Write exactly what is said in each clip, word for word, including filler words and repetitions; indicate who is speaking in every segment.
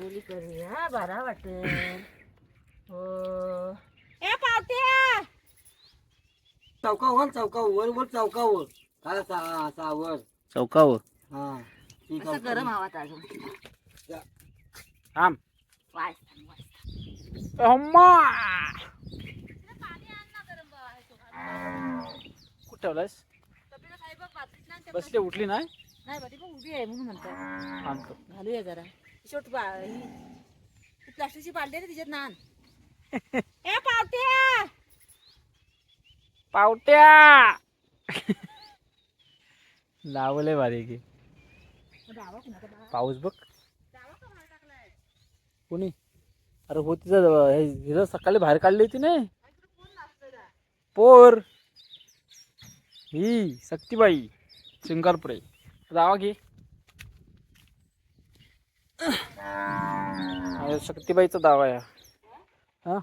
Speaker 1: रांगोळी करूया बरा वाटेल. हो ए पावट्या
Speaker 2: चौकावर चौकावर वर वर चौकावर काय सा सावर
Speaker 3: चौकावर
Speaker 2: हा ठीक
Speaker 1: असं गरम आवाज अजून
Speaker 3: थांब.
Speaker 1: वास
Speaker 3: अम्मा कुठं ठेवलायस? बसली उठली नाही
Speaker 1: नाही बाटी पण उभी आहे म्हणून म्हणतो
Speaker 3: आणतो.
Speaker 1: घालूया जरा शेवट ही प्लास्टिकची बाटली आहे ना तिच्यात नान. ए पावट्या
Speaker 3: पावट्या लावले भारी की
Speaker 1: डावा कुणाचा बा?
Speaker 3: पाऊस बघ
Speaker 1: डावा का बाहेर टाकलाय?
Speaker 3: कोणी. अरे हो तिचं हे हिरं सकाळी बाहेर काढली होती ना
Speaker 1: इकडे कोण नाचतंय का?
Speaker 3: पोर ही सक्तीबाई सिंगारपुरे जावा घे. अरे शक्तीबाईचा दावा आहे हा.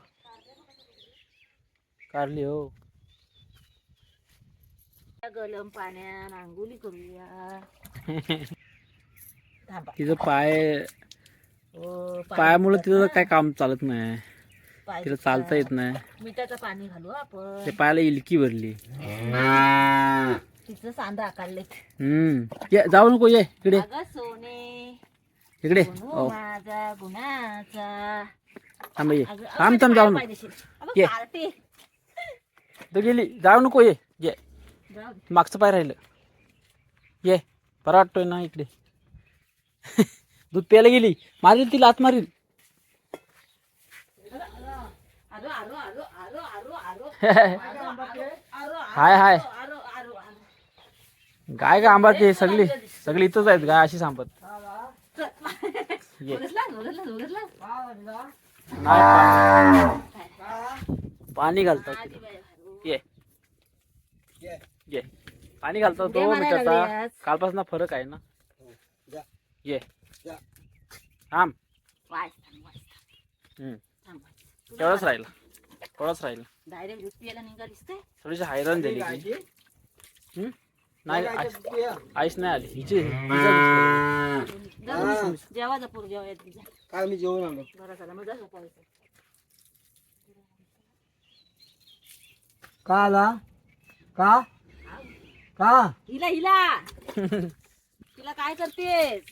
Speaker 3: काढली हो.
Speaker 1: गरम पाण्यात आंघोळी करूया. थांबा.
Speaker 3: तिचं पाय
Speaker 1: हो, पाय
Speaker 3: पायामुळे
Speaker 1: दुखतात
Speaker 3: तिचं
Speaker 1: ना.
Speaker 3: काय काम चालत नाही.
Speaker 1: पाय
Speaker 3: तिला
Speaker 1: दुखतात.
Speaker 3: चालता येत नाही.
Speaker 1: मिठाचं पाणी घालू आपण.
Speaker 3: ते पायाला इलकी भरली.
Speaker 1: तिचं सांदा आकारलेत.
Speaker 3: हम्म ये जाऊ नको ये इकडे
Speaker 1: अगं सोने
Speaker 3: इकडे.
Speaker 1: सोनू
Speaker 3: हो
Speaker 1: माझा गुणाचा.
Speaker 3: थांब ये
Speaker 1: अगं,
Speaker 3: थांब थांब
Speaker 1: अगं,
Speaker 3: जाऊ
Speaker 1: पाय
Speaker 3: नको.
Speaker 1: देशील. अगं,
Speaker 3: ये.
Speaker 1: पार्टी.
Speaker 3: तो गेली जाऊ नको ये ये
Speaker 1: जाऊ दे.
Speaker 3: मागचं पाय राहिलं. ये बरा वाटतोय ना इकडे. दूध प्यायला गेली मारील तिला आत मारील.
Speaker 1: आरो, आरो, आरो, आरो, आरो, आरो. आरो,
Speaker 3: हाय हाय
Speaker 1: आरो, आरो, आरो.
Speaker 3: गाय का आंबाटे सगळी सगळी इथंच आहेत गाय अशी सांगत. ये
Speaker 1: उरसला, उरसला, उरसला.
Speaker 3: नाही पा- पाणी घालतात
Speaker 1: आधी
Speaker 3: तिथं.
Speaker 1: बाई भारू.
Speaker 3: ये
Speaker 2: ये.
Speaker 3: ये पाणी घालतात
Speaker 1: उड्या
Speaker 3: तो
Speaker 1: मारायला
Speaker 3: मिठाचा.
Speaker 1: लागल्यास.
Speaker 3: कालपासून फरक आहे ना.
Speaker 2: जा
Speaker 3: ये
Speaker 2: जा
Speaker 3: थांब.
Speaker 1: वास थांब, वास थांब.
Speaker 3: हम्म
Speaker 1: थांब. तुला
Speaker 3: तेवढंच
Speaker 1: मला
Speaker 3: राहिलं थोडंच राहिलं.
Speaker 1: डायरेक्ट दूध पियाला निघालीस ते.
Speaker 3: थोडीशी हैराण झाली की.
Speaker 2: गायची?
Speaker 3: हम्म? नाही
Speaker 2: गायची
Speaker 3: आईस
Speaker 2: दूध पिया.
Speaker 3: आईस नाही आली हिची हिचा दिसतोय.
Speaker 1: जाऊ जेवा जपूर जेवा येत तुझ्या.
Speaker 2: काय मी जेवण आलो
Speaker 1: बरं झालं मग जा झोपायचं.
Speaker 2: का आला का का
Speaker 1: हिला हिला तिला काय करतेस?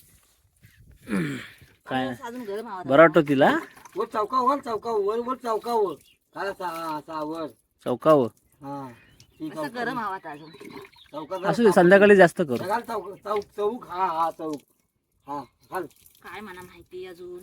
Speaker 3: काय
Speaker 1: आज अजून गरम आवाज
Speaker 3: बरं वाटतं तिला.
Speaker 2: वर चौकावर चौकावर वर वर चौकावर काय सा सावर
Speaker 3: चौकावर
Speaker 2: हा ठीक
Speaker 1: असं गरम आवाज अजून.
Speaker 2: चौकात
Speaker 3: असू दे संध्याकाळी जास्त करू.
Speaker 2: घाल चौक चौक चौक हा हा चौक हा घाल
Speaker 1: काय मला माहिती अजून.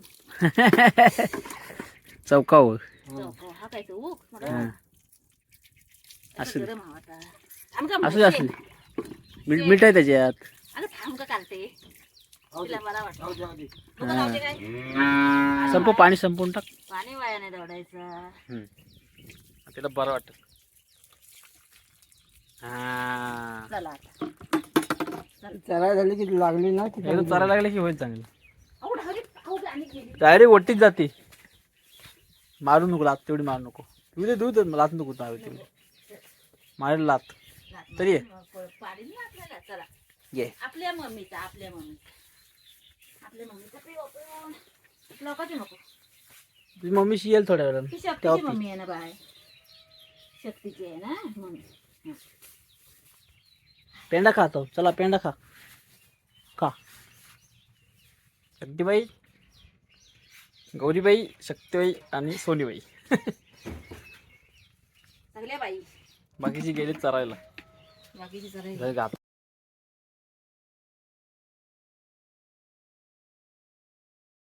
Speaker 3: चौकावर
Speaker 1: चौक हा काय चौक
Speaker 3: हा.
Speaker 1: असं
Speaker 3: असू दे
Speaker 1: गरम आवाज आहे. थांब का
Speaker 3: असू दे असू दे. मीठ मीठ आहे त्याच्यात.
Speaker 1: अगं थांब का काढते तिला मला वाटतं.
Speaker 2: जाऊ जाऊ दे.
Speaker 1: बघा लावते काय
Speaker 3: संप पाणी संपवून टाक.
Speaker 1: पाणी वाया नाही दौडायचं.
Speaker 3: हम्म. तिला बरं वाटत. हा
Speaker 1: चला आता
Speaker 2: चला झाली की लागली ना की
Speaker 3: एकदा चालायला लागले की होईल चांगलं.
Speaker 1: अहो ढाली अहो आणि गेली.
Speaker 3: डायरेक्ट ओटीच जाते. मारू नको लात तेवढी मारू नको. तू दे दूध लात नको मारू तेवढी. मारेल लात तरी ये.
Speaker 1: पाणी नाही आपल्याला. चला
Speaker 3: ये
Speaker 1: आपल्या मम्मीचा आपल्या मम्मीचा आपल्या मम्मीचा पिओ पिओ लोकांची नको.
Speaker 3: तुझी मम्मीशी येईल थोड्या वेळानं.
Speaker 1: ही
Speaker 3: तेव्हा
Speaker 1: शक्तीची
Speaker 3: पी.
Speaker 1: मम्मी आहे ना बाय. शक्तीची आहे ना मम्मी. हं.
Speaker 3: पेंडा खातो चला पेंडा खा खा. शक्तीबाई गौरीबाई शक्तीबाई आणि सोनीबाई.
Speaker 1: सगळ्या बाई
Speaker 3: बाकीची गेली चरायला.
Speaker 1: बाकीची सगळे
Speaker 3: घरी गात.